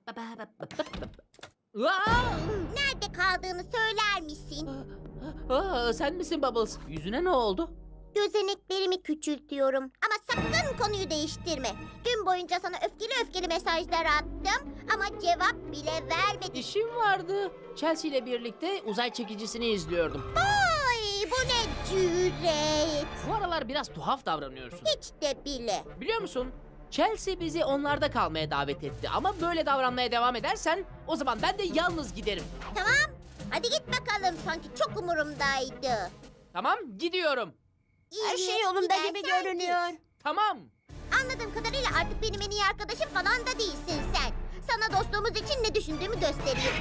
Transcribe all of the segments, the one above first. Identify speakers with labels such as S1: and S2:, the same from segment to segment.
S1: Aa!
S2: Nerede kaldığını söyler misin?
S1: Sen misin Bubbles? Yüzüne ne oldu?
S2: Gözeneklerimi küçültüyorum. Ama sakın konuyu değiştirme. Gün boyunca sana öfkeli mesajlar attım. Ama cevap bile vermedin.
S1: İşim vardı. Chelsea ile birlikte uzay çekicisini izliyordum.
S2: Ay, bu ne cüret.
S1: Bu aralar biraz tuhaf davranıyorsun.
S2: Hiç de bile.
S1: Biliyor musun? Chelsea bizi onlarda kalmaya davet etti. Ama böyle davranmaya devam edersen o zaman ben de yalnız giderim.
S2: Tamam. Hadi git bakalım. Sanki çok umurumdaydı.
S1: Tamam, gidiyorum.
S2: Her şey yolunda gibi görünüyor.
S1: Tamam.
S2: Anladığım kadarıyla artık benim en iyi arkadaşım falan da değilsin sen. Sana dostluğumuz için ne düşündüğümü göstereyim.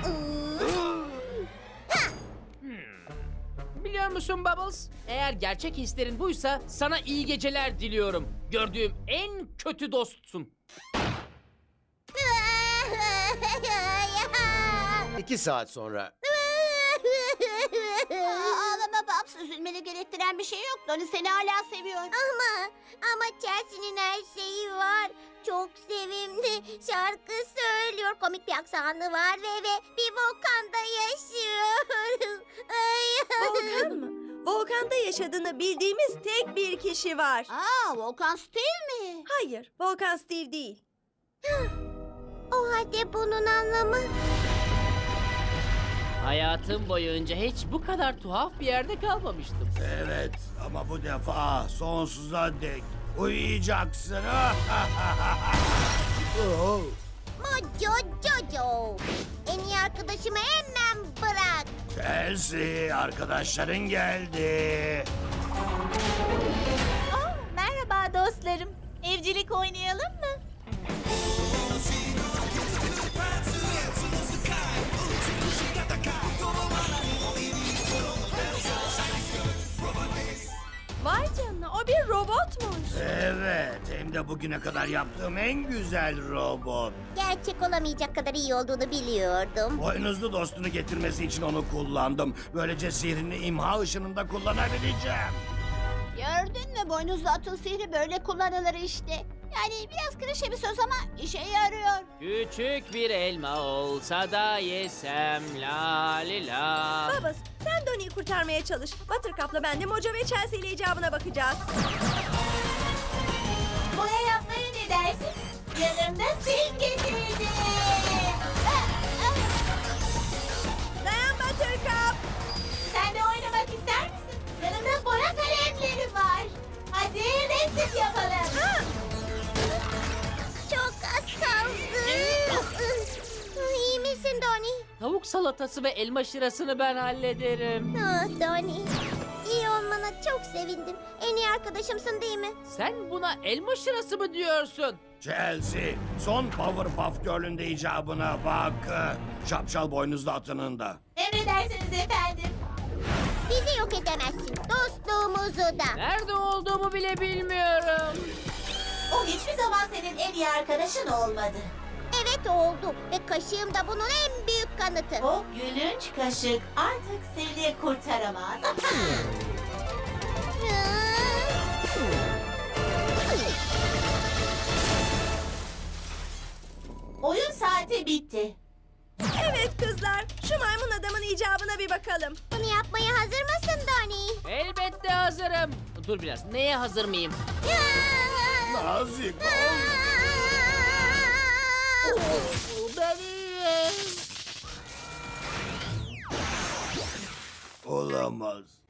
S1: Biliyor musun Bubbles? Eğer gerçek hislerin buysa sana iyi geceler diliyorum. Gördüğüm en kötü dostsun.
S3: 2 saat sonra.
S2: Ağlama Babs, üzülmeni gerektiren bir şey yok. Donnie seni hala seviyor. Ama Chelsea'nin her şeyi var. Çok sevimli. Şarkı söylüyor. Komik bir aksanı var ve bir volkanda yaşıyor.
S4: Volkan mı? Volkanda yaşadığını bildiğimiz tek bir kişi var.
S2: Volkan Steve mi?
S4: Hayır, Volkan Steve değil.
S2: O halde bunun anlamı...
S1: Hayatım boyunca hiç bu kadar tuhaf bir yerde kalmamıştım.
S5: Evet ama bu defa sonsuza dek uyuyacaksın. Oh.
S2: Mojo Jojo. En iyi arkadaşımı hemen bırak.
S5: Chelsea, arkadaşların geldi.
S2: Merhaba dostlarım. Evcilik oynayalım mı?
S4: Vay canına, o bir robotmuş.
S5: Evet, hem de bugüne kadar yaptığım en güzel robot.
S2: Gerçek olamayacak kadar iyi olduğunu biliyordum.
S5: Boynuzlu dostunu getirmesi için onu kullandım. Böylece sihrini imha ışınında kullanabileceğim.
S2: Gördün mü, boynuzlu atın sihri böyle kullanılır işte. Yani biraz klişe bir söz ama işe yarıyor.
S1: Küçük bir elma olsa da yesem la li la.
S4: Babas, sen Donnie'yi kurtarmaya çalış. Buttercup'la ben de Mojo ve Chelsea ile icabına bakacağız.
S2: Boya yapmaya ne dersin? Yanımda sil getirdim.
S4: Dayan Buttercup.
S2: Sen de oynamak ister misin? Yanımda boya kalemleri var. Hadi resim yapalım. Çok az kaldı. İyi misin Donnie?
S1: Tavuk salatası ve elma şırasını ben hallederim.
S2: Donnie. İyi olmana çok sevindim. En iyi arkadaşımsın değil mi?
S1: Sen buna elma şırası mı diyorsun?
S5: Chelsea, son Powerpuff Girl'ün de icabına bak. Şapşal boynuzlu atının da.
S2: Emredersiniz efendim. Bizi yok edemezsin. Dostluğumuzu da.
S1: Nerede olduğumu bile bilmiyorum.
S2: O hiçbir zaman senin en iyi arkadaşın olmadı. Evet oldu ve kaşığım da bunun en büyük kanıtı.
S6: O gülünç kaşık artık seni kurtaramaz. Oyun saati bitti.
S4: Evet kızlar, şu maymun adamın icabına bir bakalım.
S2: Bunu yapmaya hazır mısın Donnie?
S1: Elbette hazırım. Dur biraz. Neye hazır mıyım?
S5: Nazik ol.
S1: Benim.
S5: Olamaz.